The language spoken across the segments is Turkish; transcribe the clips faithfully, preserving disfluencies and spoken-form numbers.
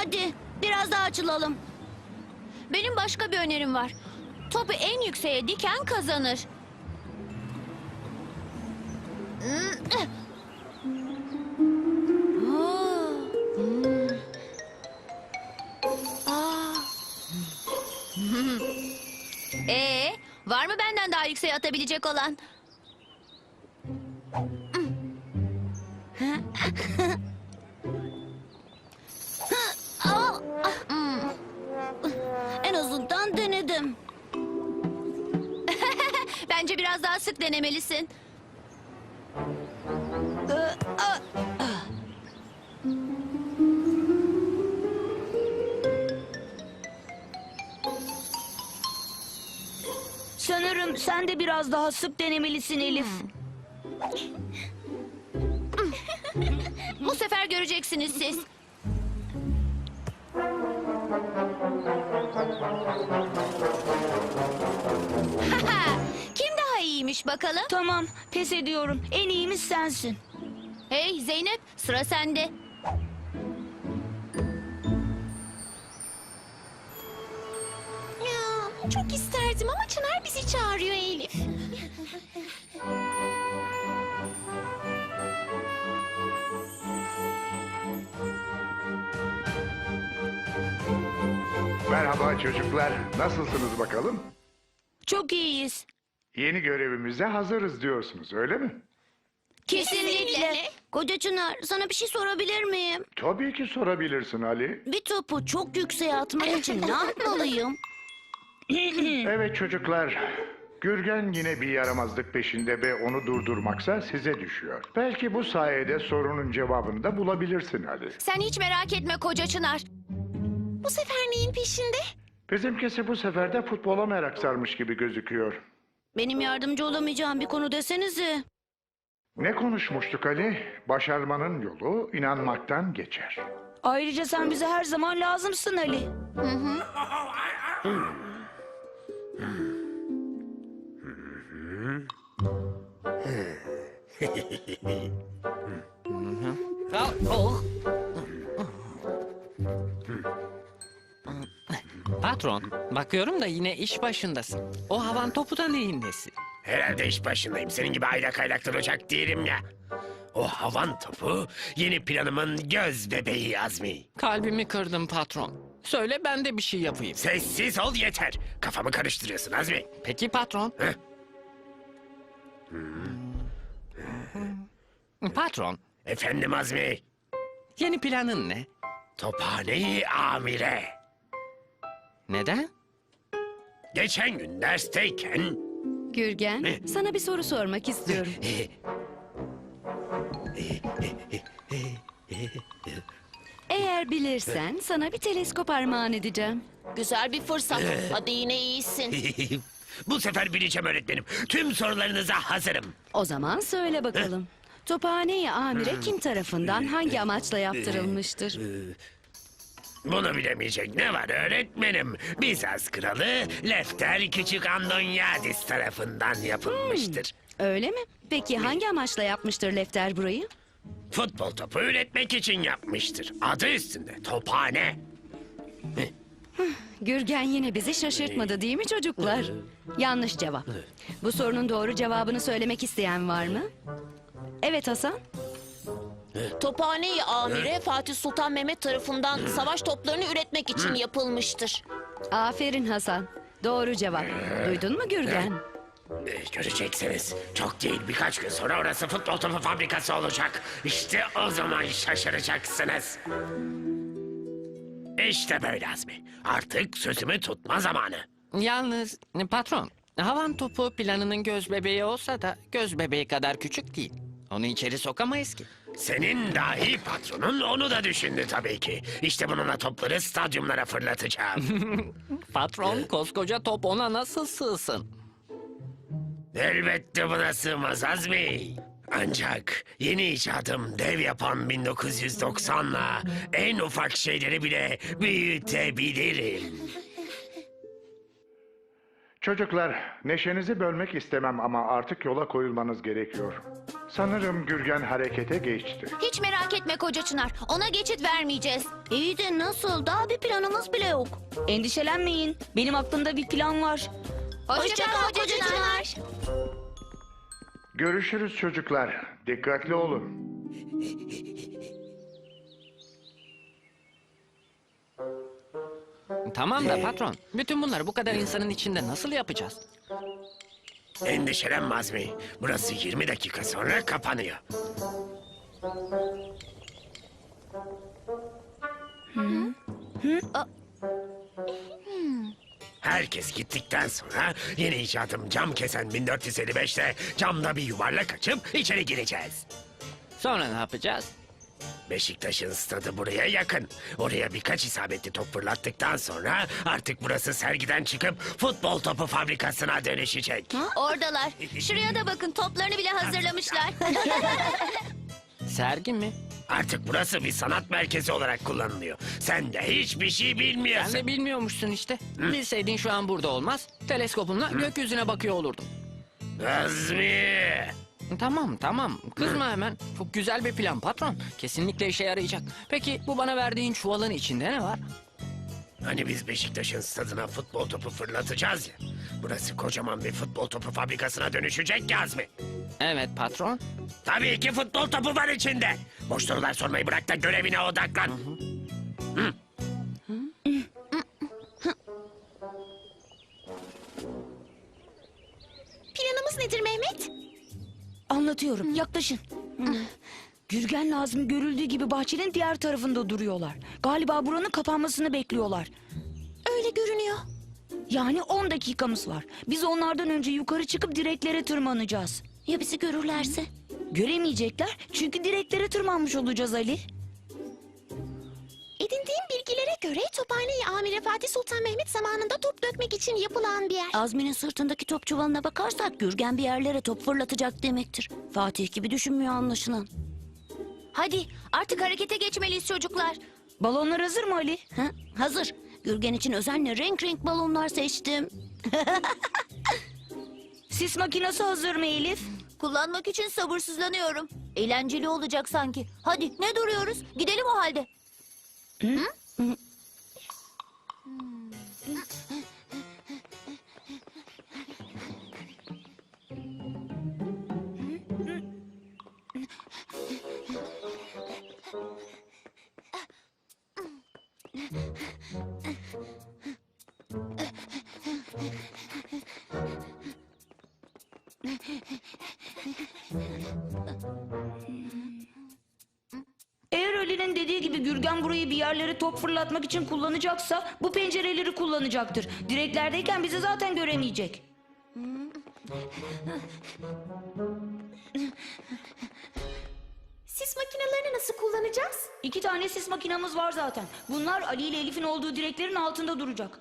Hadi biraz daha açılalım. Benim başka bir önerim var. Topu en yükseğe diken kazanır. Ee, var mı benden daha yükseğe atabilecek olan? En azından denedim. Bence biraz daha sık denemelisin. Sanırım sen de biraz daha sık denemelisin Elif. Bu sefer göreceksiniz siz. Kim daha iyiymiş bakalım? Tamam, pes ediyorum. En iyimiz sensin. Hey Zeynep, sıra sende. Ya, çok isterdim ama Çınar bizi çağırıyor Elif. Merhaba çocuklar. Nasılsınız bakalım? Çok iyiyiz. Yeni görevimize hazırız diyorsunuz, öyle mi? Kesinlikle. Koca Çınar, sana bir şey sorabilir miyim? Tabii ki sorabilirsin Ali. Bir topu çok yükseğe atmak için ne yapmalıyım? Evet çocuklar. Gürgen yine bir yaramazlık peşinde ve onu durdurmaksa size düşüyor. Belki bu sayede sorunun cevabını da bulabilirsin Ali. Sen hiç merak etme koca Çınar. Bu sefer neyin peşinde? Bizimkisi bu sefer de futbola merak sarmış gibi gözüküyor. Benim yardımcı olamayacağım bir konu desenize. Ne konuşmuştuk Ali? Başarmanın yolu inanmaktan geçer. Ayrıca sen bize her zaman lazımsın Ali. Patron, bakıyorum da yine iş başındasın. O havan topu da neyin nesi? Herhalde iş başındayım. Senin gibi aylak aylak duracak değilim ya. O havan topu yeni planımın göz bebeği Azmi. Kalbimi kırdın patron. Söyle ben de bir şey yapayım. Sessiz ol yeter. Kafamı karıştırıyorsun Azmi. Peki patron. Heh. Patron, Efendim Azmi. yeni planın ne? Tophaneyi amire. Neden? Geçen gün dersteyken... Gürgen, sana bir soru sormak istiyorum. Eğer bilirsen sana bir teleskop armağan edeceğim. Güzel bir fırsat. Hadi yine iyisin. Bu sefer bileceğim öğretmenim. Tüm sorularınıza hazırım. O zaman söyle bakalım. Tophane-i Amire kim tarafından hangi amaçla yaptırılmıştır? Bunu bilemeyecek ne var öğretmenim? Bizans kralı Lefter Küçük Andonyadis tarafından yapılmıştır. Öyle mi? Peki hangi amaçla yapmıştır Lefter burayı? Futbol topu üretmek için yapmıştır. Adı üstünde tophane. Gürgen yine bizi şaşırtmadı değil mi çocuklar? Yanlış cevap. Bu sorunun doğru cevabını söylemek isteyen var mı? Evet Hasan. Tophane-i Amire Fatih Sultan Mehmet tarafından savaş toplarını üretmek için yapılmıştır. Aferin Hasan. Doğru cevap. Duydun mu Gürgen? Ee, Göreceksiniz. Çok değil birkaç gün sonra orası futbol topu fabrikası olacak. İşte o zaman şaşıracaksınız. İşte böyle Azmi. Artık sözümü tutma zamanı. Yalnız patron, havan topu planının göz bebeği olsa da göz bebeği kadar küçük değil. Onu içeri sokamayız ki. Senin dahi patronun onu da düşündü tabii ki. İşte bununla topları stadyumlara fırlatacağım. Patron, koskoca top ona nasıl sığsın? Elbette buna sığmaz Azmi. Ancak yeni icadım dev yapan bin dokuz yüz doksanla en ufak şeyleri bile büyütebilirim. Çocuklar, neşenizi bölmek istemem ama artık yola koyulmanız gerekiyor. Sanırım Gürgen harekete geçti. Hiç merak etme Koca Çınar. Ona geçit vermeyeceğiz. İyi de nasıl? Daha bir planımız bile yok. Endişelenmeyin. Benim aklımda bir plan var. Hoşça kal Koca Koca Çınar. Görüşürüz çocuklar. Dikkatli olun. Tamam da patron, bütün bunları bu kadar insanın içinde nasıl yapacağız? Endişelenme Azmi. Burası yirmi dakika sonra kapanıyor. Herkes gittikten sonra yeni icadım cam kesen bin dört yüz elli beşte camda bir yuvarlak açıp içeri gireceğiz. Sonra ne yapacağız? Beşiktaş'ın stadı buraya yakın. Oraya birkaç isabetli top fırlattıktan sonra artık burası sergiden çıkıp futbol topu fabrikasına dönüşecek. Oradalar. Şuraya da bakın, toplarını bile hazırlamışlar. Sergi mi? Artık burası bir sanat merkezi olarak kullanılıyor. Sen de hiçbir şey Sen bilmiyorsun. de bilmiyormuşsun işte. Bilseydin şu an burada olmaz. Teleskopumla gökyüzüne bakıyor olurdum. Azmi! Tamam tamam kızma hemen. Çok güzel bir plan patron. Kesinlikle işe yarayacak. Peki bu bana verdiğin çuvalın içinde ne var? Hani biz Beşiktaş'ın stadına futbol topu fırlatacağız ya. Burası kocaman bir futbol topu fabrikasına dönüşecek ya Azmi. Evet patron. Tabii ki futbol topu var içinde. Boş sorular sormayı bırak da görevine odaklan. Planımız nedir Mehmet? Anlatıyorum. Yaklaşın. Gürgen Nazmi görüldüğü gibi bahçenin diğer tarafında duruyorlar. Galiba buranın kapanmasını bekliyorlar. Öyle görünüyor. Yani on dakikamız var. Biz onlardan önce yukarı çıkıp direklere tırmanacağız. Ya bizi görürlerse? Göremeyecekler çünkü direklere tırmanmış olacağız Ali. Edindiğim bilgilere göre Tophane-i Amire Fatih Sultan Mehmet zamanında top dökmek için yapılan bir yer. Azmi'nin sırtındaki top çuvalına bakarsak Gürgen bir yerlere top fırlatacak demektir. Fatih gibi düşünmüyor anlaşılan. Hadi artık harekete geçmeliyiz çocuklar. Balonlar hazır mı Ali? Ha? Hazır. Gürgen için özenle renk renk balonlar seçtim. Sis makinesi hazır mı Elif? Kullanmak için sabırsızlanıyorum. Eğlenceli olacak sanki. Hadi ne duruyoruz? Gidelim o halde. Eğer Ali'nin dediği gibi Gürgen burayı bir yerlere top fırlatmak için kullanacaksa bu pencereleri kullanacaktır. Direklerdeyken bizi zaten göremeyecek. Sis makinelerini nasıl kullanacağız? İki tane sis makinamız var zaten. Bunlar Ali ile Elif'in olduğu direklerin altında duracak.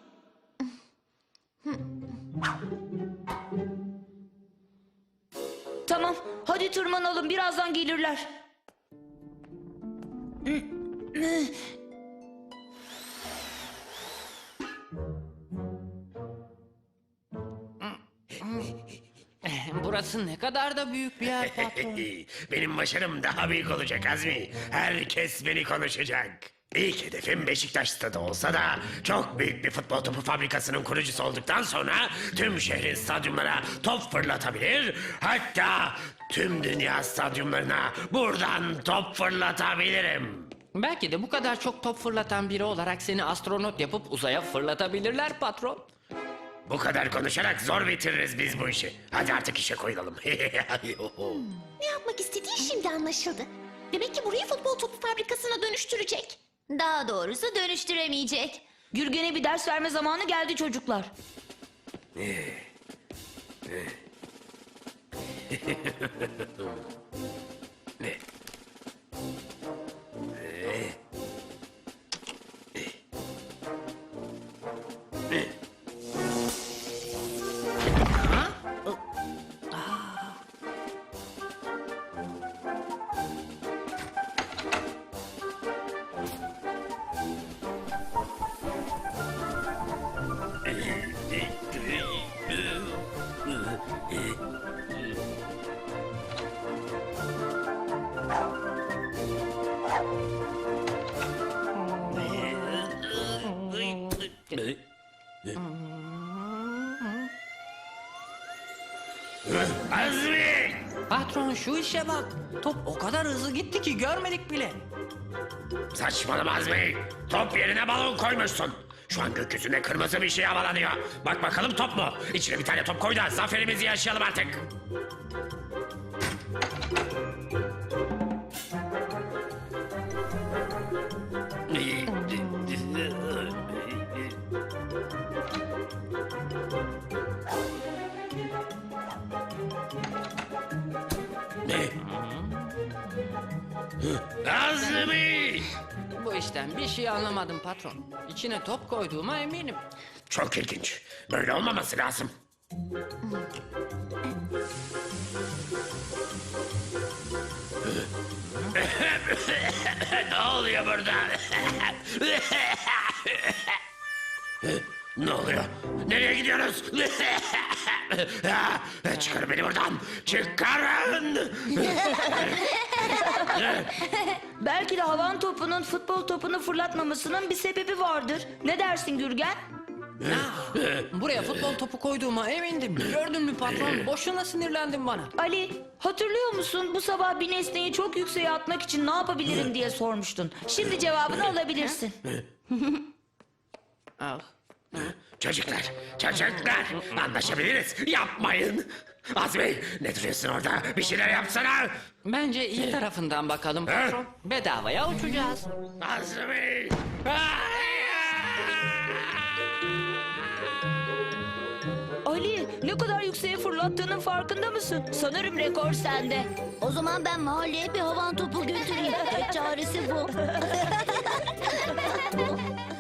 Tamam, hadi tırmanalım. Birazdan gelirler. Burası ne kadar da büyük bir yer patron. Benim başarım daha büyük olacak Azmi. Herkes beni konuşacak. İlk hedefim Beşiktaş stadı olsa da çok büyük bir futbol topu fabrikasının kurucusu olduktan sonra tüm şehrin stadyumlara top fırlatabilir, hatta tüm dünya stadyumlarına buradan top fırlatabilirim. Belki de bu kadar çok top fırlatan biri olarak seni astronot yapıp uzaya fırlatabilirler patron. Bu kadar konuşarak zor bitiririz biz bu işi. Hadi artık işe koyulalım. Ne yapmak istediği şimdi anlaşıldı. Demek ki burayı futbol topu fabrikasına dönüştürecek. Daha doğrusu dönüştüremeyecek. Gürgen'e bir ders verme zamanı geldi çocuklar. Azmi! Patron şu işe bak. Top o kadar hızlı gitti ki görmedik bile. Saçmalama Azmi. Top yerine balon koymuşsun. Şu an gökyüzünde kırmızı bir şey havalanıyor. Bak bakalım top mu? İçine bir tane top koy da zaferimizi yaşayalım artık. Ne? Azmi! Bu işten bir şey anlamadım patron. İçine top koyduğuma eminim. Çok ilginç. Böyle olmaması lazım. Ne oluyor burada? Ne oluyor? Nereye gidiyoruz? Çıkarın beni buradan. Çıkarın. Belki de havan topunun futbol topunu fırlatmamasının bir sebebi vardır. Ne dersin Gürgen? Buraya futbol topu koyduğuma emindim. Gördün mü patron? Boşuna sinirlendin bana. Ali, hatırlıyor musun bu sabah bir nesneyi çok yükseğe atmak için ne yapabilirim diye sormuştun. Şimdi cevabını alabilirsin. Al. Çocuklar, çocuklar. Anlaşabiliriz. Yapmayın. Azmi, ne duruyorsun orada? Bir şeyler yapsana. Bence iyi tarafından bakalım patron. Bedavaya uçacağız. Azmi. Ali, ne kadar yükseğe fırlattığının farkında mısın? Sanırım rekor sende. O zaman ben mahalleye bir havan topu götüreyim. Tek çaresi bu.